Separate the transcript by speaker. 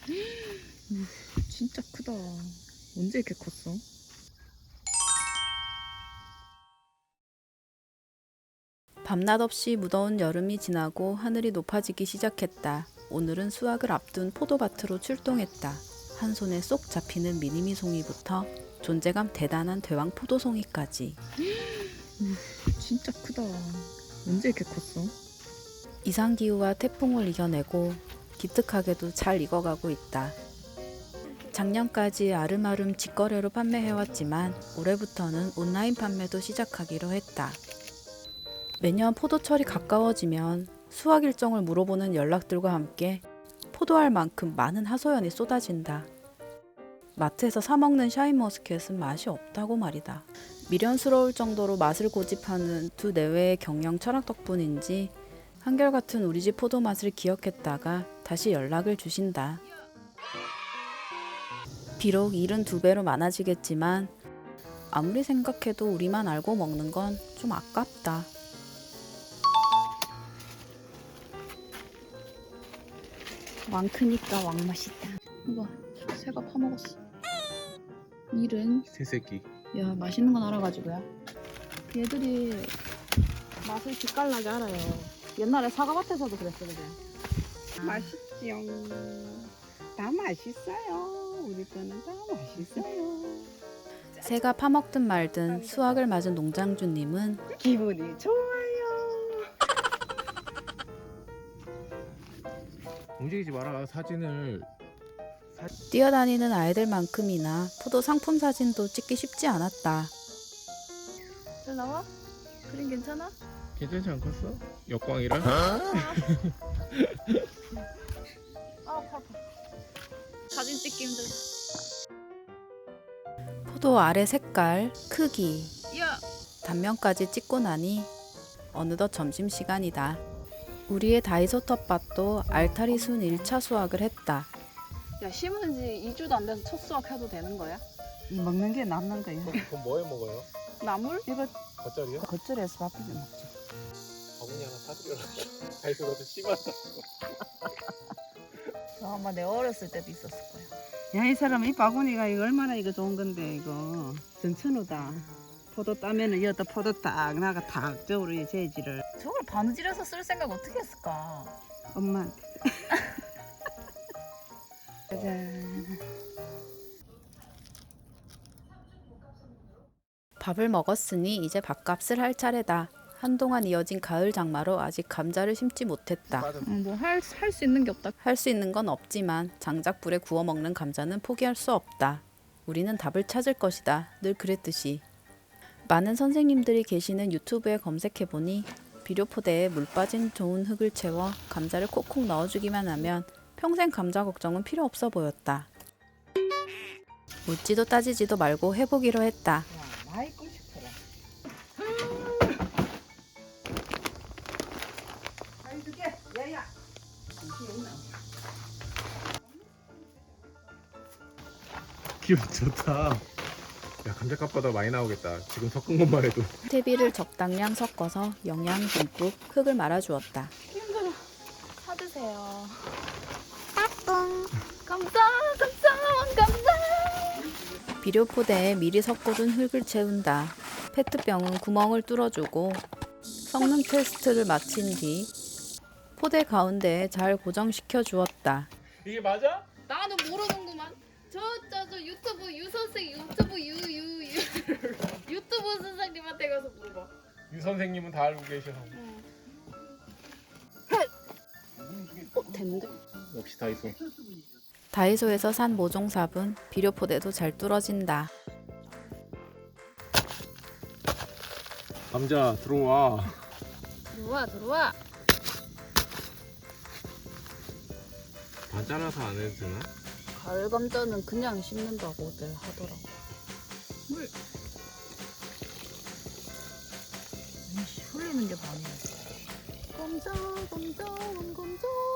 Speaker 1: 진짜 크다. 언제 이렇게 컸어?
Speaker 2: 밤낮 없이 무더운 여름이 지나고 하늘이 높아지기 시작했다. 오늘은 수확을 앞둔 포도밭으로 출동했다. 한 손에 쏙 잡히는 미니미송이부터 존재감 대단한 대왕 포도송이까지.
Speaker 1: 진짜 크다. 언제 이렇게 컸어?
Speaker 2: 이상기후와 태풍을 이겨내고 기특하게도 잘 익어가고 있다. 작년까지 아름아름 직거래로 판매해왔지만 올해부터는 온라인 판매도 시작하기로 했다. 매년 포도철이 가까워지면 수확 일정을 물어보는 연락들과 함께 포도알 만큼 많은 하소연이 쏟아진다. 마트에서 사 먹는 샤인머스켓은 맛이 없다고 말이다. 미련스러울 정도로 맛을 고집하는 두 내외의 경영 철학 덕분인지 한결같은 우리 집 포도 맛을 기억했다가 다시 연락을 주신다. 비록 일은 2배로 많아지겠지만 아무리 생각해도 우리만 알고 먹는 건 좀 아깝다.
Speaker 1: 왕 크니까 왕 맛있다. 이거 새가 파먹었어. 일은
Speaker 3: 새새끼.
Speaker 1: 야 맛있는 건 알아가지고야. 얘들이 맛을 기깔나게 알아요. 옛날에 사과밭에서도 그랬어 그래.
Speaker 4: 맛있지요. 다 맛있어요. 우리 거는 다 맛있어요.
Speaker 2: 새가 파먹든 말든 수확을 맞은 농장주님은
Speaker 4: 기분이 좋아요.
Speaker 3: 움직이지 마라. 사진을.
Speaker 2: 뛰어다니는 아이들만큼이나 포도 상품 사진도 찍기 쉽지 않았다.
Speaker 1: 잘 나와? 그림 괜찮아?
Speaker 3: 괜찮지 않겠어? 역광이랑?
Speaker 1: 아파. 사진 찍기 힘들어.
Speaker 2: 포도 알의 색깔, 크기,
Speaker 1: 야.
Speaker 2: 단면까지 찍고 나니 어느덧 점심시간이다. 우리의 다이소 텃밭도 알타리 순 1차 수확을 했다.
Speaker 1: 야 심은 지 2주도 안 돼서 첫 수확해도 되는 거야?
Speaker 4: 먹는 게 남는 거예요.
Speaker 3: 그럼 뭐 해 먹어요?
Speaker 1: 나물?
Speaker 4: 이거
Speaker 3: 겉절이요?
Speaker 4: 겉절이에서 밥 비벼 먹죠.
Speaker 3: 바구니 하나 사드려라. 다이소 가서 심었다.
Speaker 1: 아마 내 어렸을 때도 있었을 거야.
Speaker 4: 야, 이 사람 이 바구니가 이거 얼마나 이거 좋은 건데 이거 전천후다. 포도 따면은 여기다 포도 딱 나가 탁 저으로 이 재질을
Speaker 1: 저걸 바느질해서 쓸 생각 어떻게 했을까?
Speaker 4: 엄마한테. 짜잔.
Speaker 2: 밥을 먹었으니 이제 밥값을 할 차례다. 한동안 이어진 가을 장마로 아직 감자를 심지 못했다.
Speaker 1: 뭐 할 수 있는 게 없다.
Speaker 2: 할 수 있는 건 없지만 장작 불에 구워 먹는 감자는 포기할 수 없다. 우리는 답을 찾을 것이다. 늘 그랬듯이. 많은 선생님들이 계시는 유튜브에 검색해보니 비료포대에 물 빠진 좋은 흙을 채워 감자를 콕콕 넣어주기만 하면 평생 감자 걱정은 필요 없어 보였다. 묻지도 따지지도 말고 해보기로 했다.
Speaker 4: 야, 많이 끄 싶어라. 아이 두개 야야.
Speaker 3: 기분 좋다. 야, 감자값보다 많이 나오겠다. 지금 섞은 것만 해도.
Speaker 2: 퇴비를 적당량 섞어서 영양 듬뿍 흙을 말아주었다.
Speaker 1: 힘들어. 사드세요.
Speaker 5: 따뚱.
Speaker 1: 감사.
Speaker 2: 비료포대에 미리 섞어둔 흙을 채운다. 페트병은 구멍을 뚫어주고 성능 테스트를 마친 뒤 포대 가운데에 잘 고정시켜 주었다.
Speaker 3: 이게 맞아?
Speaker 5: 나는 모르는구만. 저 유튜브 유 선생 유튜브 유튜브 선생님한테 가서 물어봐.
Speaker 3: 유 선생님은 다 알고 계셔.
Speaker 1: 됐는데?
Speaker 3: 역시 다이소.
Speaker 2: 다이소에서 산 모종삽은 비료포대도 잘 뚫어진다.
Speaker 3: 감자 들어와.
Speaker 5: 들어와.
Speaker 3: 반 잘라서 안 해도 되나?
Speaker 1: 가을 감자는 그냥 심는다고들 하더라고. 흘리는 게 반이야. 감자.